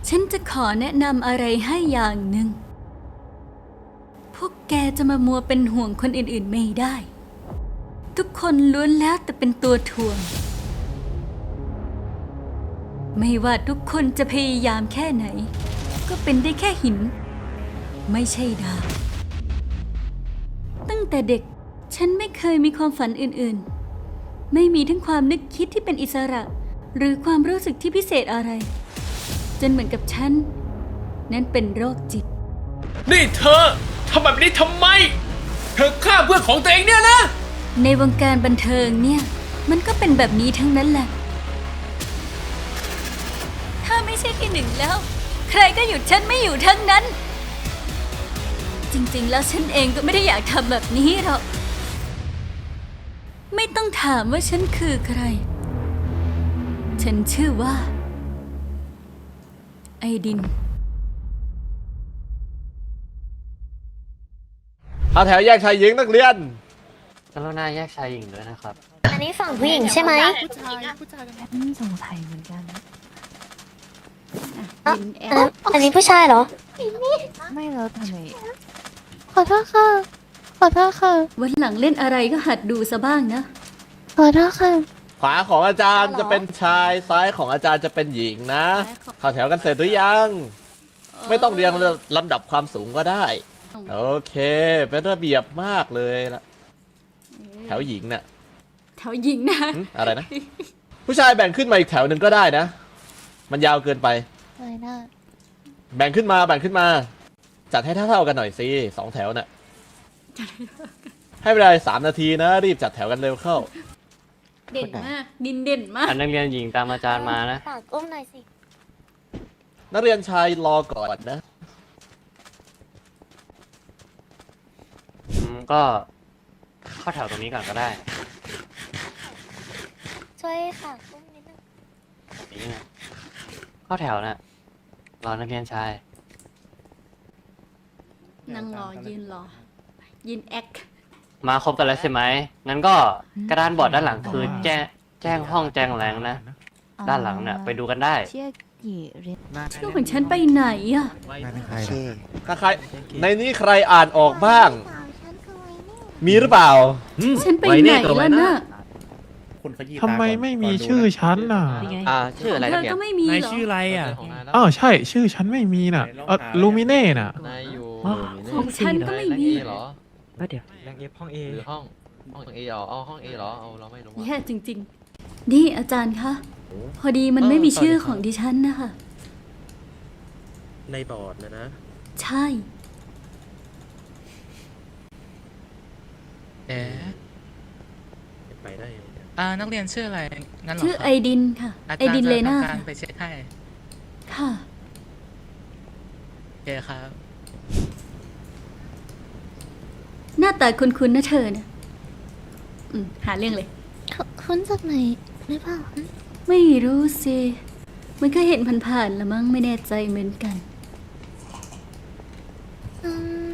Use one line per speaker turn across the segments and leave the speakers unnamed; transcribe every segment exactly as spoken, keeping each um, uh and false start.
ฉันจะขอแนะนำอะไรให้อย่างหนึ่งพวกแกจะมามัวเป็นห่วงคนอื่นๆไม่ได้ทุกคนล้วนแล้วแต่เป็นตัวถ่วงไม่ว่าทุกคนจะพยายามแค่ไหนก็เป็นได้แค่หินไม่ใช่ดาวตั้งแต่เด็กฉันไม่เคยมีความฝันอื่นๆไม่มีทั้งความนึกคิดที่เป็นอิสระหรือความรู้สึกที่พิเศษอะไรจนเหมือนกับฉันนั้นเป็นโรคจิต
นี่เธอทำแบบนี้ทำไมเธอฆ่าเพื่อนของตัวเองเนี่ยนะ
ในวงการบันเทิงเนี่ยมันก็เป็นแบบนี้ทั้งนั้นแหละถ้าไม่ใช่ที่หนึ่งแล้วใครก็หยุดฉันไม่อยู่ทั้งนั้นจริงๆแล้วฉันเองก็ไม่ได้อยากทำแบบนี้หรอกไม่ต้องถามว่าฉันคือใครฉันชื่อว่าไอดิน
เข้าแถวแยกชายหญิงนักเรียน
กรุณาแยกชายหญิงด้วยนะครับ
อันนี้ฝั่งผู้หญิงใช่ไหม
ผู้ชายผู้ชายกัน
อืมสงสัยเหมือนกัน
อ่ะอันนี้ผู้ชายเหรอ
ไม่แล้วทำไม
ขอโทษค่ะขอโทษค่ะ
วันหลังเล่นอะไรก็หัดดูซะบ้างนะ
ขอโทษค่ะ
ขวาของอาจารย์จะเป็นชายซ้ายของอาจารย์จะเป็นหญิงนะเข้าแถวกันเสร็จหรือยังไม่ต้องเรียงลำดับความสูงก็ได้โอเคเป็นระเบียบมากเลยละแถวหญิงน่ะ
แถวหญิงนะ
อะไรนะผู้ชายแบ่งขึ้นมาอีกแถวหนึ่งก็ได้นะมันยาวเกินไป
อะไรนะ
แบ่งขึ้นมาแบ่งขึ้นมาจัดให้เท่าๆกันหน่อยสิสองแถวน่ะให้เวลาสามนาทีนะรีบจัดแถวกันเร็วเข้า
เด่นมากดินเด่นมาก
อันนักเรียนหญิงตามอาจารย์มานะ
ฝากอุ้มหน่อยสิ
นักเรียนชายรอก่อนนะ
อืมก็เข้าแถวตรงนี้ก่อนก็ได้
ช่วยฝากอุ้มนิดนึง
แบบนี้นะเข้าแถวน่ะรอนักเรียนชาย
นั่งรอยืนรอยืนแอค
มาครบกันแล้วใช่ไหมงั้นก็กระดานบอร์ดด้านหลังคือแจ้งแจ้งห้องแจ้งแรงนะด้านหลังเนี่ยไปดูกันได้
เชื่อกี่เรียน
ชื่อของฉันไปไหนอะ
ถ้าใครในนี้ใครอ่านออกบ้างมีหรือเปล่า
ฉันไปไหนแล้วน่ะ
ทำไมไม่มีชื่อฉันน่ะ
อ่าชื่ออะไร
เนี่ยเธอก็ไม่มี
หรอ
นาย
ชื่ออะไรอ่ะอ๋อใช่ชื่อฉันไม่มีน่ะเออลูมิเน่น่ะ
นายอยู่
ของฉันก็ไม่มี
เหรอ
เดี๋ยวแรงเอฟห้องเอ
หรือห้องห้องเอเหรอเอาห้องเอเหรอเอาเราไม่รู้
แย่จริงๆนี่อาจารย์คะพอดีมันไม่มีชื่อของดิฉันนะคะ
ในบอร์ดนะนะ
ใช่
แอไปได้อ่านักเรียนชื่ออะไรงั้นหรอ
ชื่อไอดินค่ะไอดินเลน่า
การไปเช็คให้
ค่ะ
โอเคครับ
หน้าตาคุ้นๆนะเธอนะอืมหาเรื่องเลย
คุ้นจากไหนหรือเปล่า
ไม่รู้สิมันก็เห็นผ่านๆละมั้งไม่แน่ใจเหมือนกัน
อืม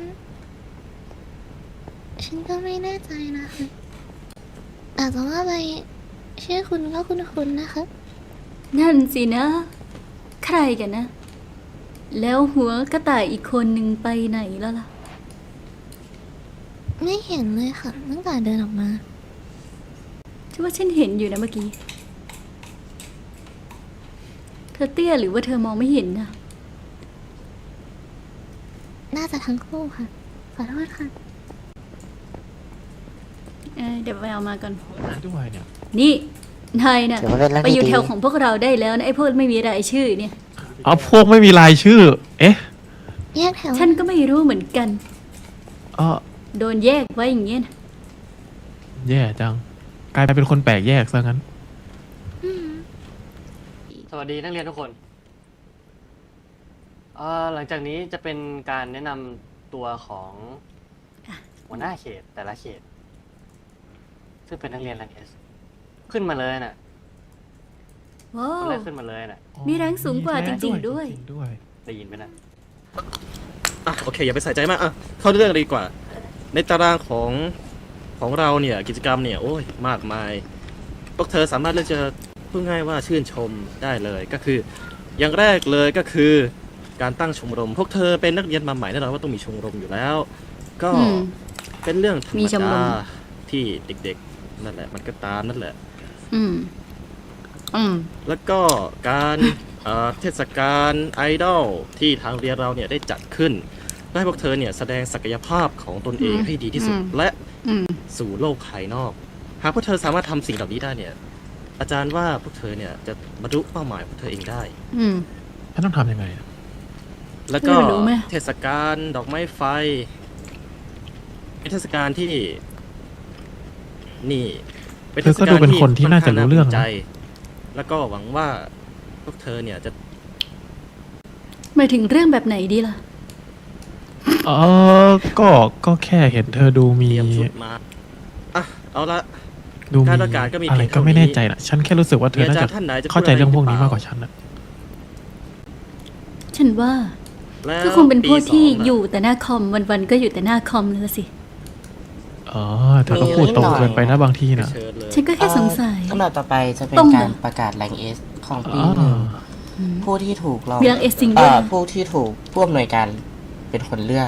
ฉันก็ไม่แน่ใจนะคะอาจจะว่าไปชื่อคุณก็คุ้นๆนะคะ
นั่นสินะใครกันนะแล้วหัวกระต่ายอีกคนหนึ่งไปไหนแล้วล่ะ
ไม่เห็นเลยค่ะตั้งแต่เดินออกมา
ฉันว่าฉันเห็นอยู่นะเมื่อกี้เธอเตี้ยหรือว่าเธอมองไม่เห็นนะ
น่าจะทั้งคู่ค่ะขอโทษค่ะ
เออเดี๋ยวไปเอามาก่อน
ด้วยเนี่ย
นี่นายน่ะไปอยู่แถวของพวกเราได้แล้วนะไอ้พวกไม่มีรายชื่อเนี่ย
อ๋อพวกไม่มีรายชื่อเอ๊ะ
แยกแถว
ฉันก็ไม่รู้เหมือนกัน
อ๋อ
โดนแยกไว้อย่างเงี้ยนะ
แย่จังกลายเป็นคนแปลกแยกซะงั้น
สวัสดีนักเรียนทุกคนเอ่อหลังจากนี้จะเป็นการแนะนำตัวของหัวหน้าเขตแต่ละเขตซึ่งเป็นนักเรียนแรงเอสขึ้นมาเลยน่ะ
ว้าว
ขึ้นมาเลยน่ะ
มีแรงสูงกว่าจริงๆด้วย
ได้ยินไหมนะ
อ่ะโอเคอย่าไปใส่ใจมากอ่ะเข้าเรื่องดีกว่าในตารางของของเราเนี่ยกิจกรรมเนี่ยโอ้ยมากมายพวกเธอสามารถเลือกจะพูดง่ายว่าชื่นชมได้เลยก็คืออย่างแรกเลยก็คือการตั้งชมรม พวกเธอเป็นนักเรียนมาใหม่แน่นอนว่าต้องมีชมรมอยู่แล้ว ก็
อืม
เป็นเรื่องธรร
มี
ม
ชมร
ดาม ที่เด็กๆนั่นแหละมันก็ตามนั่นแหละ
อืม อืม
แล้วก็การเอ่อเทศกาลไอดอลที่ทางเรียนเราเนี่ยได้จัดขึ้นเพื่อให้พวกเธอเนี่ยแสดงศักยภาพของตนเอง
อืม
ให้ดีที่สุด
อืม
และ
อืม
สู่โลกภายนอก หากพวกเธอสามารถทำสิ่งเหล่านี้ได้เนี่ย อาจารย์ว่าพวกเธอเนี่ยจะบรรลุเป้าหมายของเธอเองได้
อืม
ฉันต้องทำยังไงอะ
แล้วก็
เธอรู้ไหม
เทศกาลดอกไม้ไฟเป็นเทศกาลที่ นี่ เป็น
เธอก็ดูเป็นคนที่น่าจะรู้เรื่องนะ
ใจ แล้วก็หวังว่าพวกเธอเนี่ยจะ
หมายถึงเรื่องแบบไหนดีล่ะ
เออก็ก็แค่เห็นเธอดูมี
เตรียมชุดมาอ่ะเอาละ
ดูมี
การประกาศก็มี
อะไร
เพียง
ก็
เท่า
ไม่แน่
นี้
ใจนะฉันแค่รู้สึกว่าเธ
มี
อ
อา
น่า
จาร
จะ
ย์ท่านไหนจะ
เข้าใจเรื่องพวกนี้
พูดะไ
มากกว่าฉันนะ
ฉันว่า
แล้ว
ก็คงเป็นพวกที่
ปีสงน่ะ
อยู่แต่หน้าคอมวันๆก็อยู่แต่หน้าคอมนั่นแหละสิ
อ๋อเธอก็พูดตรงเกินไปนะบางทีนะ
เชิญเลย
ฉันก็แค่สงสัย
ลำดับต่อไปจะเป็น
ต้องเหรอ
การประกาศแรงเอสของปี
อ๋อ
หนึ่ง
อืม
ผู้ที่ถูกลอง
มี rank S จริงด้
เอ่
วย
อผู้ที่ถูกผู้อำนวยการเป็นคนเลือก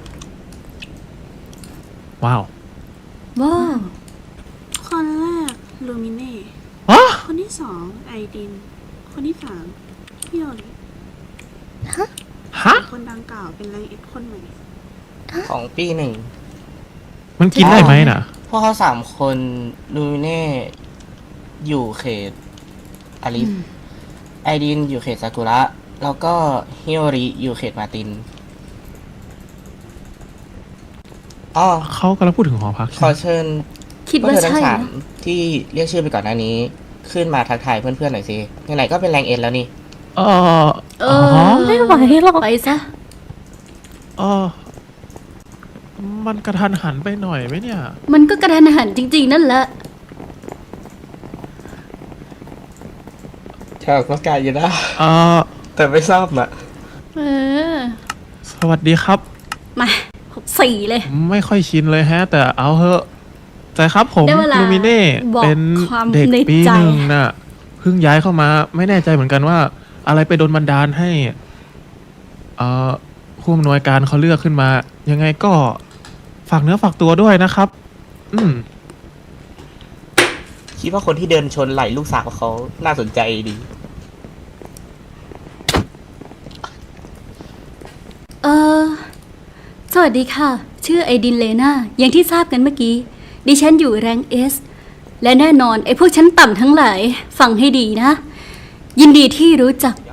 ว้าว
ว้าว
คนแรกลูมิเน่
อ๋อ
คนที่สองไอดิน คนที่สามพี่โอริ
ฮะ
คนดังกล่าวเป็นแรงเอ็ดคนใหม่
ของปีหนึ่ง
มันกินได้ไหมน่ะ
พวกเขาสามคนลูมิเน่อยู่เขตอาริส
อืม
ไอดินอยู่เขตซากุระ แล้วก็ฮิโอริอยู่เขตมาตินอ๋อ
เขากำลังพูดถึงหอพัก
ข
ใช่
อ
ไหม
เชิญ
คิด
พวก
ว่า
เธอทั้
ใช่
งสาม
นะ
ที่เรียกชื่อไปก่อนหน้านี้ ขึ้นมาทักทายเพื่อนๆหน่อยสิไหนๆก็เป็นแรงเอ็นแล้วนี่
เออ
เอ
อ๋
อ
อ
ไม่ไหวหรอกไปซะ
เออมันกระทันหันไปหน่อยไหมเนี่ย
มันก็กระทันหันจริง ๆ นั่นแหละ
ชาวก็กายอยู่นะ
เออ
แต่ไม่ทราบนะ
เออ
สวัสดีครับ
มาหกสี่เลย
ไม่ค่อยชินเลยแฮะ แต่เอาเถอะแต่ครับผม
ได้เวลา
ลูมิเน่
บอก
เป็น
ความ
เด็ก
ใน
ปี
ใจ
หนึ่งน่ะเพิ่งย้ายเข้ามา ไม่แน่ใจเหมือนกันว่า อะไรไปโดนบันดาลให้เอ่อผู้อำนวยการเขาเลือกขึ้นมา ยังไงก็ฝากเนื้อฝากตัวด้วยนะครับ อืม
คิดว่าคนที่เดินชนไหล่ลูกสาวเขาน่าสนใจดี
เออ สวัสดีค่ะ ชื่อไอดินเลนาอย่างที่ทราบกันเมื่อกี้ ดิฉันอยู่แรงเอส และแน่นอนไอพวกชั้นต่ำทั้งหลาย ฟังให้ดีนะ ยินดีที่รู้จัก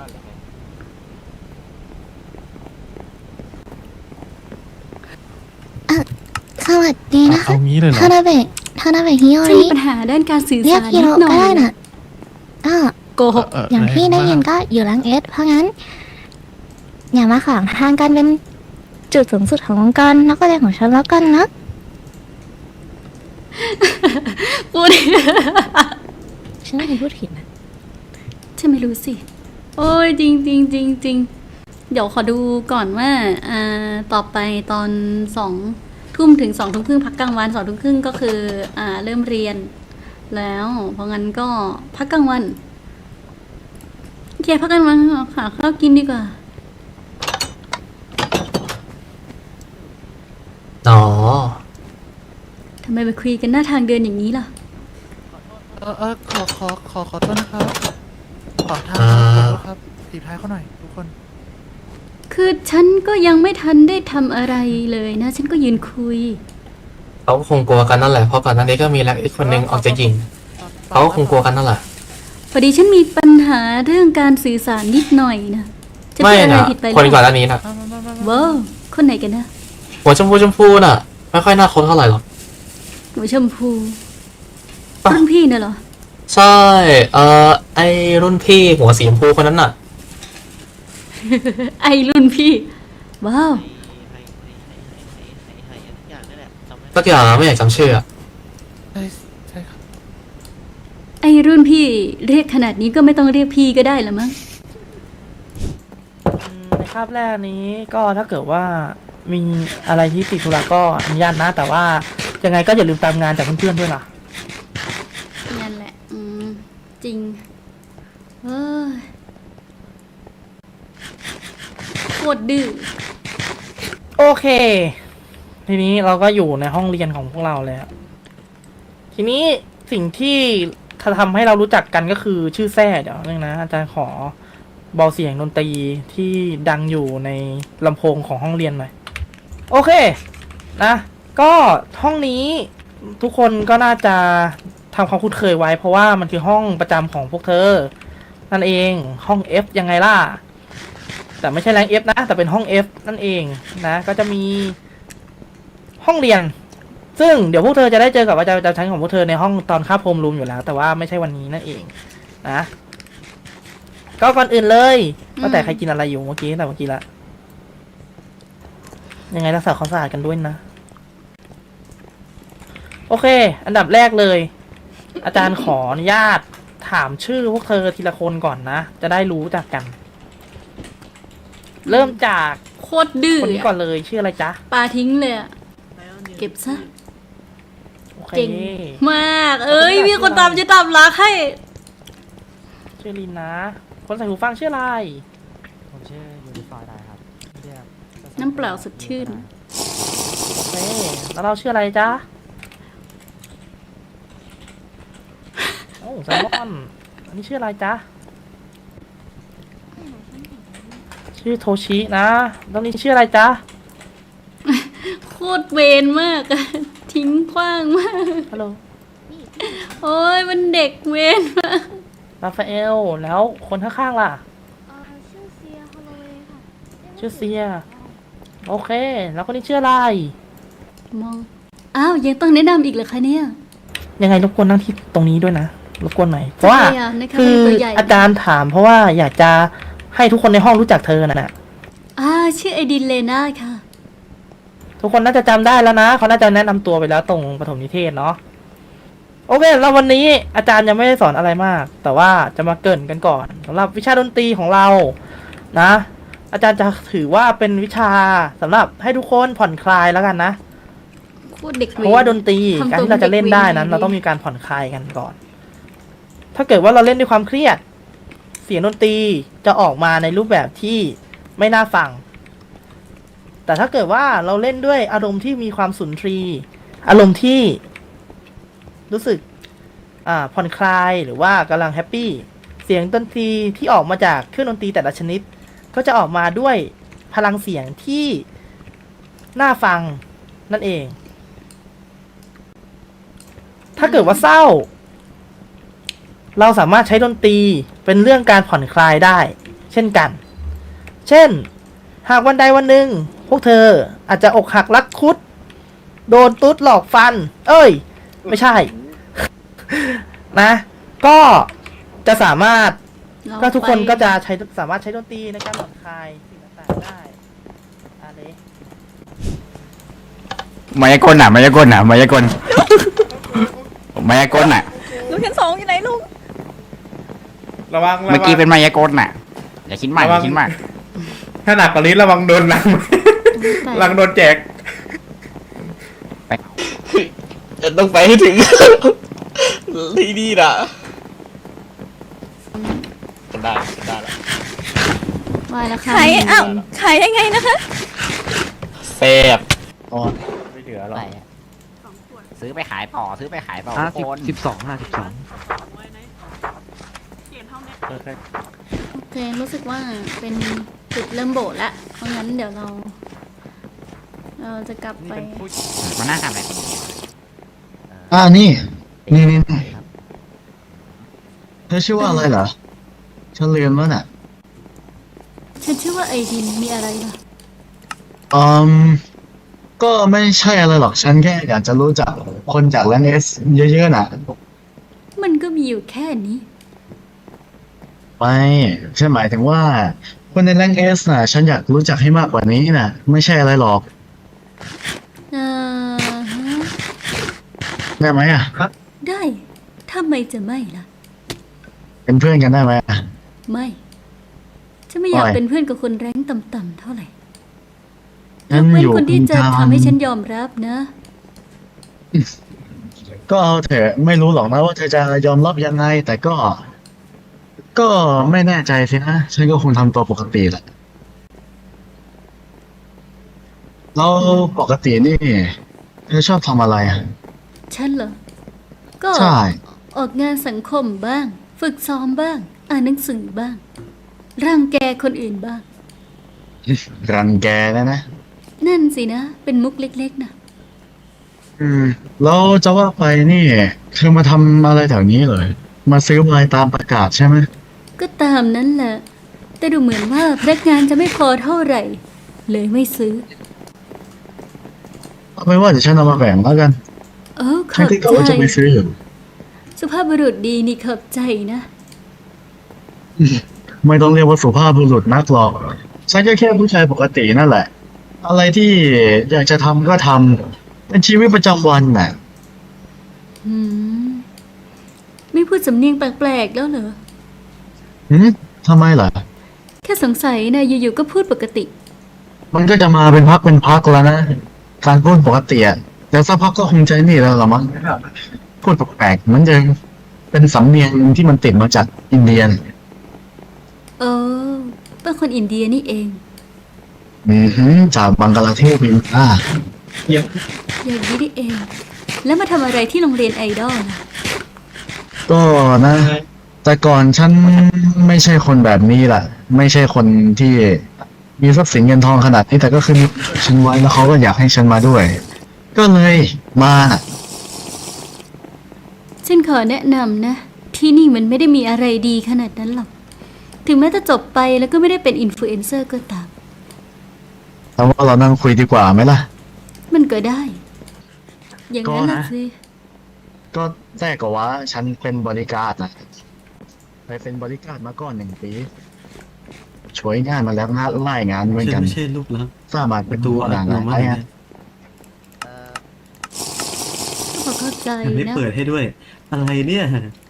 สวัสดีนะคะ
เอางี้เลยเหรอ
ทานาเบะทานาเบะฮิโอ
ฉัน
ริ
มีปัญหาด้านการสื่อ
เรียก
สาร
ฮิ
นิ
โร
ดหน่
ก็
อ
ได้
ย
น่ะอ่า
โกหก
เ
อย่างที่ได้ยิน
แรงมาก
ก็อยู่รังเอส เพราะงั้น อย่ามาขวางทางกันเป็นจุดสูงสุดขององค์กรนักเรียนของฉันแล้วกันนะ
พูด
ฉันไม่เคยพูดผิดนะ
ฉันไม่รู้สิ โอ้ยจริงจริงจริงจริงเดี๋ยวขอดูก่อนว่า อ่า ต่อไปตอนสองทุ่มถึงสองทุ่มครึ่งพักกลางวันสองทุ่มครึ่งก็คือ อ่า เริ่มเรียน แล้ว เพราะงั้นก็พักกลางวันโอเคพักกลางวันหาข้าวกินดีกว่า
อ๋อ
ทำไมไปคุยกันหน้าทางเดินอย่างนี้ล่ะ
เออเออขอขอขอขอโทษนะครับ ขอทาง
อ่า
ขอโทษครับตีท้ายเขาหน่อยทุกคน
คือฉันก็ยังไม่ทันได้ทำอะไรเลยนะ ฉันก็ยืนคุย
เขาคงกลัวกันนั่นแหละเพราะก่อนหน้านี้ก็มีแรงอีกคนนึงออกจะยิงเขาก็คงกลัวกันนั่นแหละ
พอดีฉันมีปัญหาเรื่องการสื่อสารนิดหน่อยนะจะ
ไม่
เป็นอะไร
นะ
ผิดไปห
คน
รือ
ก่อนห
เปล่า
น้านี้นะ
ว้าวคนไหนกันนะ
หัวชมพูชมพูน่ะ ไม่ค่อยน่าคบเท่าไหร่หรอก
หนูชมพูรุ่นพี่น่ะเหรอ
ใช่ เอ่อไอรุ่นพี่หัวสีชมพูคนนั้นน่ะ
ไอรุ่นพี่ ว้าว
สักอย่างไม่อยากจำชื่ออะ
ใช่ใช่ครับ
ไอรุ่นพี่เรียกขนาดนี้ก็ไม่ต้องเรียกพี่ก็ได้ละมั้ง
ในคาบแรกนี้ก็ถ้าเกิดว่ามีอะไรที่ติดธุระก็อนุญาตนะ แต่ว่ายังไงก็อย่าลืมตามงานจากเพื่อนๆด้วยล่ะ
นั่นแหละ อืม จริงเอ้ยตรดื้อ
โอเค ทีนี้เราก็อยู่ในห้องเรียนของพวกเราแล้ว ทีนี้สิ่งที่ทำให้เรารู้จักกันก็คือชื่อแท้เดี๋ยวนึงนะอาจารย์ขอเบาเสียงดนตรีที่ดังอยู่ในลำโพงของห้องเรียนหน่อยโอเคนะก็ห้องนี้ทุกคนก็น่าจะทำความคุ้นเคยไว้เพราะว่ามันคือห้องประจำของพวกเธอนั่นเองห้อง F ยังไงล่ะแต่ไม่ใช่แรง F นะแต่เป็นห้อง F นั่นเองนะก็จะมีห้องเรียนซึ่งเดี๋ยวพวกเธอจะได้เจอกับอาจารย์ประจำชั้นของพวกเธอในห้องตอนคาบโฮมรูมอยู่แล้วแต่ว่าไม่ใช่วันนี้นั่นเองนะก็ก่อนอื่นเลยว่าแต่ใครกินอะไรอยู่เมื่อกี้แต่เมื่อกี้ละยังไงรักษาความสะอาดกันด้วยนะโอเคอันดับแรกเลยอาจารย์ขออนุญาตถามชื่อพวกเธอทีละคนก่อนนะจะได้รู้จักกัน เริ่มจาก
โคตรดื้อ
คนนี้ก่อนเลยชื่ออะไรจ๊ะ
ปาทิ้งเลยอะเก็บซะ
โอเค
เก่งมาก เอ้ย มีคนตามจะตามรักให้
ชื่อลินนะ คนใส่หูฟังชื่ออะไร
ผมชื่อยูนิฟอร์ดครับเรียก
น้ำเปล่าสดชื่น
โอเคแล้วเราชื่ออะไรจ๊ะโอ้แซลมอนอันนี้ชื่ออะไรจ๊ะชื่อโทชินะแล้วนี่ชื่ออะไรจ๊ะ
โคตรเวนมากอะทิ้งขว้างมาก
ฮัลโหล
โอ้ยมันเด็กเวนมาก
ราฟาเอลแล้วคนข้างๆล่ะ
ชื่อเซียฮอลโลเวย์ค่ะ
ชื่อเซียโอเค แล้วคนนี้ชื่ออะไร
มอง อ้าว ยังต้องแนะนำอีกเหรอคะเนี่ย
ยังไงรบกวนนั่งที่ตรงนี้ด้วยนะรบกวนหน่อยเพราะว่า
พยายามนะคะ
คือ
ตัวใหญ่
อาจารย์ถามเพราะว่าอยากจะให้ทุกคนในห้องรู้จักเธอน่ะ
อ่าชื่อไอดินเลนาค่ะ
ทุกคนน่าจะจำได้แล้วนะเขาน่าจะแนะนำตัวไปแล้วตรงปฐมนิเทศเนาะโอเคแล้ววันนี้อาจารย์ยังไม่ได้สอนอะไรมาก แต่ว่าจะมาเกริ่นกันก่อนสำหรับวิชาดนตรีของเรานะ อาจารย์จะถือว่าเป็นวิชาสำหรับให้ทุกคนผ่อนคลายแล้วกันนะ
โคตรเด็กเวน
เพราะว่าดนตรี
ทำ
การ
ตัว
ที่เราจะเล่นได้นั้น
ด็กว
เราต้องมีการผ่อนคลายกันก่อน ถ้าเกิดว่าเราเล่นด้วยความเครียด เสียงดนตรีจะออกมาในรูปแบบที่ไม่น่าฟัง แต่ถ้าเกิดว่าเราเล่นด้วยอารมณ์ที่มีความสุนทรีย์อารมณ์ที่รู้สึกอ่าผ่อนคลายหรือว่ากำลังแฮปปี้เสียงดนตรีที่ออกมาจากเครื่องดนตรีแต่ละชนิด ก็จะออกมาด้วยพลังเสียงที่น่าฟังนั่นเอง ถ้าเกิดว่าเศร้า เราสามารถใช้ดนตรีเป็นเรื่องการผ่อนคลายได้ เช่นกัน เช่น หากวันใดวันหนึ่งพวกเธออาจจะอกหักรักคุด โดนตุ๊ดหลอกฟัน เอ้ย ไม่ใช่ นะ ก็จะสามารถ
เรา
ก็ทุกคน
ไป
ก็จะใช้สามารถใช้ดนตรีในการผ่อนคลายสิ่งต่างๆได้อะไร
มายากลน่ะมายากลน่ะมายากลมายากลน่ะ
ลูกชั้นสองอยู่ไหนลูก
ระวัง
เมื่อกี้เป็นมายากลน่ะ อย่าคิดมากอย่าคิดมาก
ถ้าหนักกว่านี้ระวังโดนลังลังโดนแจก
จะต้องไปให้ถึง ที่นี่นะได้ได้แล้ว
ว่าแล้วค่ะ
ขายอ้าวขายยังไงนะคะ
แซ่บ
ไม่เหลือหรอก
ซื้อไปขายต่อซื้อไปขายต่อ
ห้า
ทุ
สิ
ก
บ
คน
สิบสองห้าสิบสอง
โอเค รู้สึกว่าเป็นจุดเริ่มโบสถ์แล้วเพราะงั้นเดี๋ยวเรา เราจะกลับไป
มานั่งทำอะไรคนเดียว
อ่านี่ นี่นี่นี่เธอชื่อว่าอะไรเหรอฉันลืมแล้วน่ะ
ฉันชื่อว่าไอดิน มีอะไรล่ะ
อืมก็ไม่ใช่อะไรหรอก ฉันแค่อยากจะรู้จักคนจากแลนเอสเยอะๆน่ะ
มันก็มีอยู่แค่นี้
ไม่ฉันหมายถึงว่า คนในแรงเอสน่ะ ฉันอยากรู้จักให้มากกว่านี้น่ะ ไม่ใช่อะไรหรอก
เอ่อฮะ
ได้ไหมอ่ะ
ได้ทำไมจะไม่ล่ะ
เป็นเพื่อนกันได้ไหมอ่ะ
ไม่ฉันไม่อยาก
ไม่
เป็นเพื่อนกับคนแรงต่ำๆเท่าไหร่ย
งั้น
กเว้น
อยู่
คนที่จะ
กลาง
ทำให้ฉันยอมรับนะ
ก็เอาเถอะไม่รู้หรอกนะว่าเธอจะยอมรับยังไง แต่ก็ ก็ไม่แน่ใจสินะ ฉันก็คงทำตัวปกติแหละแล้วปกตินี่เธอชอบทำอะไรอ่ะ
ฉันเหรอ ก็
ใช่
ออกงานสังคมบ้าง ฝึกซ้อมบ้าง อ่านหนังสือบ้าง รังแกคนอื่นบ้าง
รังแกนะนะ
นั่นสินะ เป็นมุกเล็กๆนะ
อืมแล้วจะว่าไปนี่เธอมาทำอะไรแถวนี้เลย มาซื้อไวน์ตามประกาศใช่ไหม
ก็ตามนั้นแหละ แต่ดูเหมือนว่าพนักงานจะไม่พอเท่าไหร่ เลยไม่ซื้อ
เอาไปนว่าเดี๋ยวฉันเอามาแบ่งแล้วกัน
เออข
ฉัน
อบ
คิดว่า
ใจ
จะไปซื้ออยู่
สุภาพบุรุษดีนี่ขอบใจนะ
ไม่ต้องเรียกว่าสุภาพบุรุษนักหรอก ฉันก็แค่ผู้ชายปกตินั่นแหละ อะไรที่อยากจะทำก็ทำเป็นชีวิตประจำวันน่ะ
อืม ไม่พูดสำเนียงแปลกๆแล้วเหรอ
หืมทำไมล่ะ
แค่สงสัยนะอยู่ๆก็พูดปกติ
มันก็จะมาเป็นพักเป็นพักแล้วนะ การพูดปกติอะแต่สักพักก็คงใจนี่แล้วละมั้งพูดแปลกๆมันจะเป็นสำเนียงที่มันติดมาจากอินเดียน
เออเป็นคนอินเดียนี่เอง
อือหือจากบังกลาเทศเป็นอ่า
อย่างนี้นี่เอง แล้วมาทำอะไรที่โรงเรียนไอดอลล่ะ
ก็นะ แต่ก่อนฉันไม่ใช่คนแบบนี้แหละไม่ใช่คนที่มีทรัพย์สินเงินทองขนาดนี้แต่ก็คือมีฉันไว้แล้วเขาก็อยากให้ฉันมาด้วย ก็เลยมาน่ะ
ฉันขอแนะนำนะ ที่นี่มันไม่ได้มีอะไรดีขนาดนั้นหรอก ถึงแม้จะจบไปแล้วก็ไม่ได้เป็นอินฟลูเอนเซอร์ก็ตาม
แต่ว่าเรานั่งคุยดีกว่าไหมล่ะ
มันก็ได้ อย่างนั้น
ก็
ล่ะ
นะ
สิ
ก็แท้ก็ว่าฉันเป็นบริการดนะเคยเป็นบริการดมาก่อนหนึ่งปีช่วยงานมาแล้วนะไล่งานเหมือนกัน
ไม่ใช่ลูกรัก
สามารถเป็นตัวหนังอะไรฮะ
ก็พอเข้าใจ
ไม่
นะ
เปิดให้ด้วย อะไรเนี่ย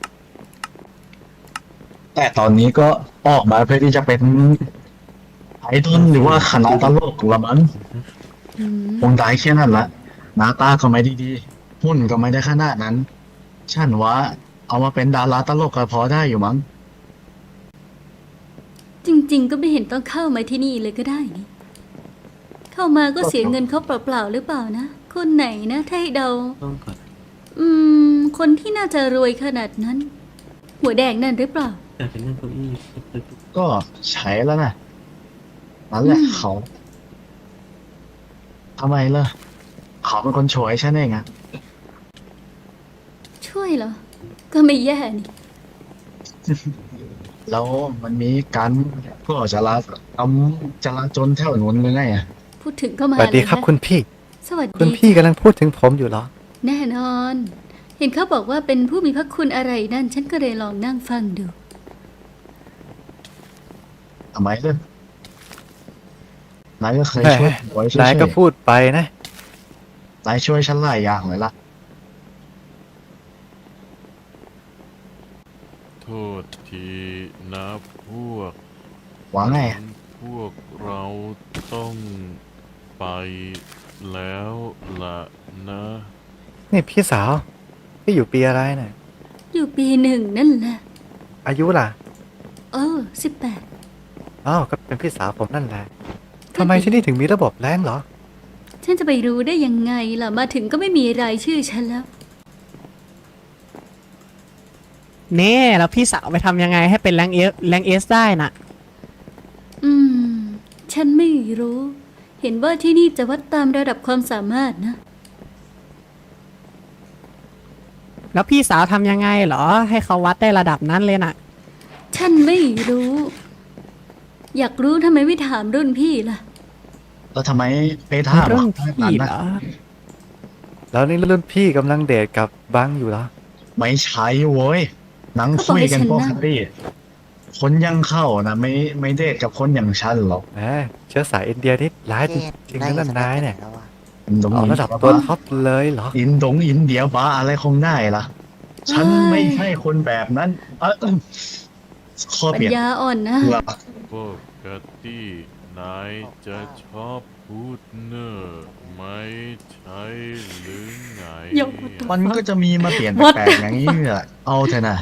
แต่ตอนนี้ก็ออกมาเพื่อที่จะเป็นไอดอลหรือว่าคณะตลกละมั้ง
อืม
คงได้แค่นั้นละหน้าตาก็ไม่ได้ดีหุ่นก็ไม่ได้ขนาดนั้น ฉันว่าเอามาเป็นดาราตลกก็พอได้อยู่มั้ง
จริง ๆ ก็ไม่เห็นต้องเข้ามาที่นี่เลยก็ได้นี่ เข้ามาก็เสียเงินเขาเปล่าๆหรือเปล่านะ คนไหนนะถ้าให้เดา
ต้องก่อน
อืม คนที่น่าจะรวยขนาดนั้น หัวแดงนั่นหรือเปล่า
แต่เป็นนั่งเก้าอี้
ก็ใช้แล้วนะนั่นแหละ
อืม
เขาทำไมล่ะเขาเป็นคนโชยฉันเองอะ
ช่วยเหรอ ก็ไม่แย่นี่
แล้วมันมีการก็จราทำจราจนแถวนู้นเลยไงอะ
พูดถึงก็มา
สวัสดีครับ
เลยนะ
คุณพี่
สวัส
คุณ
ดี
พี่กำลังพูดถึงผมอยู่เหรอ
แน่นอน เห็นเขาบอกว่าเป็นผู้มีพระคุณอะไรนั่น ฉันก็เลยลองนั่งฟังดู
ทำไมเลยนายก็เคย
แหม
ช่วยไว้ช่วย
นายก็พูดไปนะ
นายช่วยฉันหลายอย่างเลยล่ะ
โทษทีนะพวก
ว่าไง
พวกเราต้องไปแล้วล่ะนะ
นี่พี่สาว พี่อยู่ปีอะไรน่ะ
อยู่ปีหนึ่งนั่นแหละ
อายุล่ะ
เออสิบแปด
อ้าวก็เป็นพี่สาวผมนั่นแหละทำไมที่นี่ถึงมีระบบแรงเหรอ
ฉันจะไปรู้ได้ยังไงล่ะ มาถึงก็ไม่มีรายชื่อฉันแล้ว
เน่แล้วพี่สาวไปทำยังไงให้เป็นแรงเอสแรงเอสได้น่ะ
อืม ฉันไม่รู้ เห็นว่าที่นี่จะวัดตามระดับความสามารถนะ
แล้วพี่สาวทำยังไงเหรอ ให้เขาวัดได้ระดับนั้นเลยน่ะ
ฉันไม่รู้ อยากรู้ทำไมไม่ถามรุ่นพี่ล่ะ
แล้วทำไมไปถาม
รุ่น
ว่า
พี่เหรอ
แล้วนี่รุ่นพี่กำลังเดทกับบังอยู่เหรอ
ไม่ใช่โว้ยนั่งคุยกันปกติคนยังเข้านะไม่ไม่เดทกับคนอย่างฉันหรอก
แหมเชื้อสายอินเดียนี่ร้ายจริงๆนะนั่นนายเนี่ย
อินดง
เอา
อิน
ระดับตัวท็อปเลยเหรอ
อินดงอินเดียบ้าอะไรคงได้ล่ะ ฉันไม่ใช่คนแบบนั้นเออข้อ
ปั
เป
ญ
ลี่ยน
ญาอ่อนนะ
เพื่อ
ปกตินายจะชอบพูดเนอร์ไม่ใช่หรือไง
ยกตัว
มันก็จะมีมาเปลี่ยน
What?
แปลกๆอย่างนี้แหละเอาเถอะนะ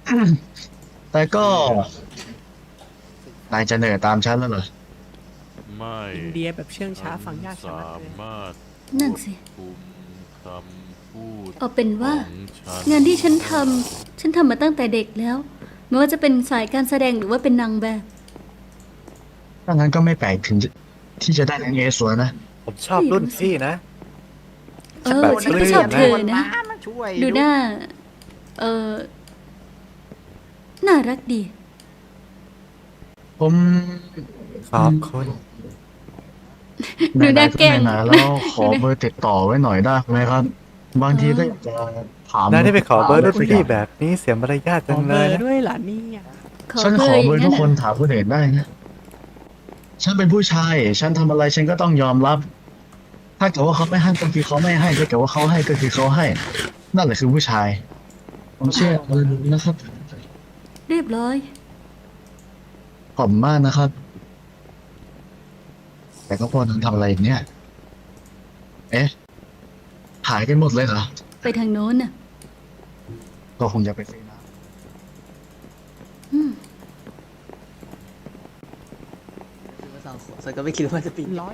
แต่ก็นายจะเหนื่อยตามฉันแล้วเหรอ
ไไม่
อินเดียแบบเชื่องช้าฟังยากชะ
สา
มัดเลย
มารถ
นั่นสิ
คุมคำพูด
เอาเป็นว่า
ของฉัน
งานที่ฉันทำฉันทำมาตั้งแต่เด็กแล้ว ไม่ว่าจะเป็นสายการแสดงหรือว่าเป็นนางแบบ
ถ้างั้นก็ไม่แปลกถึงจะที่จะได้แรงเอสวยนะ
ผมชอบรุ่นพี่นะ
เออฉันก็ชอบเธอนะ
ช่วย
ดูหน้า เออน่ารักดี
ผม
ขอบคุณ
ดูหน้าแกล้ง
ไหนๆแล้วขอเบอร์ติดต่อไว้หน่อยได้ไหมครับ บางทีก็อยากจะถาม
นายได้ไปขอเบอร์รุ่นพี่แบบนี้เสียมารยาท
ข
จั
อง เบ
เล
อย ร์
นะ
ด้วยเหรอเนี่ย
ฉันขอเบอร์ทุกคนถามคนอื่นได้นะ ฉันเป็นผู้ชาย ฉันทำอะไรฉันก็ต้องยอมรับ ถ้าเกิดว่าเขาไม่ให้ก็คือเขาไม่ให้ถ้าเกิดว่าเขาให้ก็คือเขาให้ นั่นแหละคือผู้ชาย ผมเชื่อเลยนะครับ
เรียบร้อย
ขอบคุณมากนะครับ แต่ก็พอนั้นทำอะไรอย่างเนี้ยเอ๊ะหายกันหมดเลยเหรอ
ไปทางโน้นน่ะ
ก็คงจะไปซื้อน้
อืม
สองคนก็ไม่คิดว่าจะปิด
ร้อย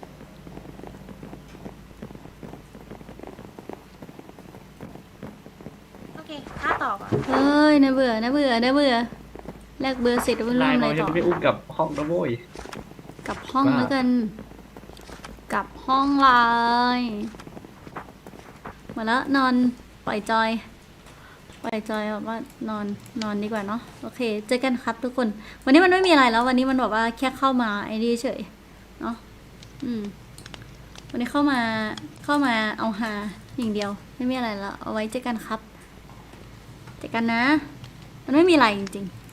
โอเคค่าต่อก่อน
เฮ้ยน่าเบื่อน่าเบื่อน่าเบื่อแลกเบอร์เสร็จแล้วไม่รู้
นาย
ทำอะไร
เราจะ
ต่อ
ไม่อุ้มกับห้องนะโว้ย
กลับห้อง
ว่า
แล้วกัน กลับห้องเลย มาแล้วนอนปล่อยจอย ปล่อยจอยแบบว่านอนนอนดีกว่าเนาะโอเค เจอกันครับทุกคน วันนี้มันไม่มีอะไรแล้ว วันนี้มันแบบว่าแค่เข้ามาไอ้นี่เฉยเนาะอืม วันนี้เข้ามาเข้ามาเอาฮาอย่างเดียว ไม่มีอะไรแล้ว เอาไว้เจอกันครับ เจอกันนะ มันไม่มีอะไรจริงๆ